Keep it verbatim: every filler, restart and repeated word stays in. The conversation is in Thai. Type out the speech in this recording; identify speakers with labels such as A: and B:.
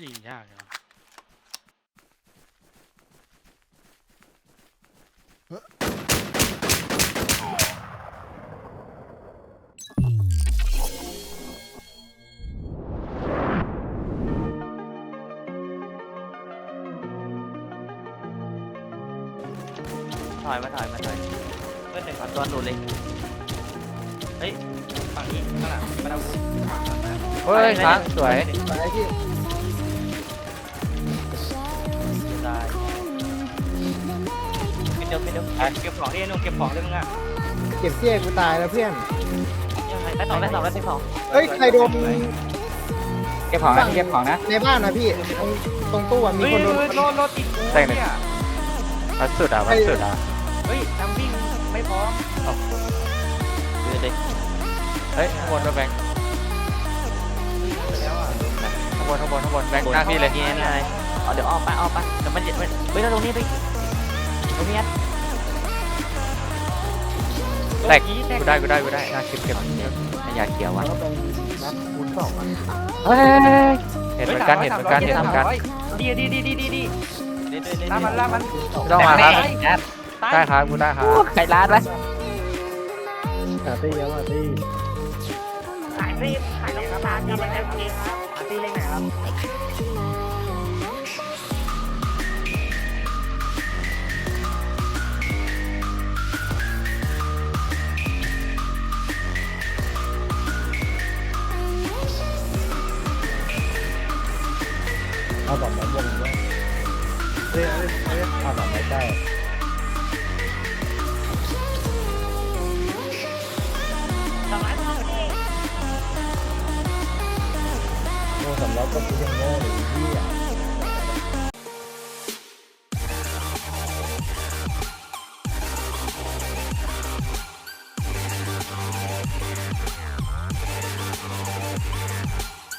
A: ยิงยากนะ
B: ถอยมาถอยมาถอยเพื่อนหนึ่งเอาตัวหลุดเลยเฮ้ยฝั่งนี้ข้างหลังมาเอา
C: เฮ้ยค้างสวย
D: ไปพี่
B: ตายเป็นเดียวเป็นเดียวเก็บของที่นุ่งเก็บของได้มึงอ่ะ
D: เก็บเสี้ยกูตายแล้วเพื่อน
B: ยังไงได้สองได้สองได้สอง
D: เฮ้ยใครโดน
C: เก็บของนะเก็บของนะ
D: ในบ้านนะพี่ตรงตรงตู้อะมี
B: เฮ้ย
D: คนโดน
B: โลดโลดติดกู
C: แต่งหนึ่งวัดสุดอ่ะวัดสุดอ่ะ
B: เฮ้ยทำวิ่งไม่พร้อมดูดิ
C: เฮ้ยข้างบนด้วยแบงค์
B: ไปแล้วอ่ะ
C: ข้างบนข้างบนข้างบนแบงค์หน้าพี่เลย
B: นี่นี่อะไรอ๋อเดี๋ยวออกไปออกไปเดี๋ยวมันเดี๋ยวมันเฮ้ยเราตรงนี้ไปตรงนี้
C: แตกกูได้กูได้กูได้น่าเก็บเก็บไม่อยากเกี่ยวว่ะ
D: แล้วเป็นนัดคูณสองอะ
C: เฮ้ยเห็นเหมือนกันเห็นเหมือนกันเห็นเหมือนกัน
B: ดีดีดีดีดีดีล่ามันล่ามัน
C: ไม่ต้องมาครับได้ครับกูได้ครับ
B: ไข่ล้านไหม
D: หาตี้แล้วอ่ะตี้
B: ขายซีขายน้ำตาลดีเลยครับขายซีเล็กไหนครับ
D: เอาดอกไม้บนด้วยเฮ้ยเฮ้ยเฮ้ยเอาดอกไม้ใกล้โง่สำรับก็คือยังโง่หรือพี่อ่ะ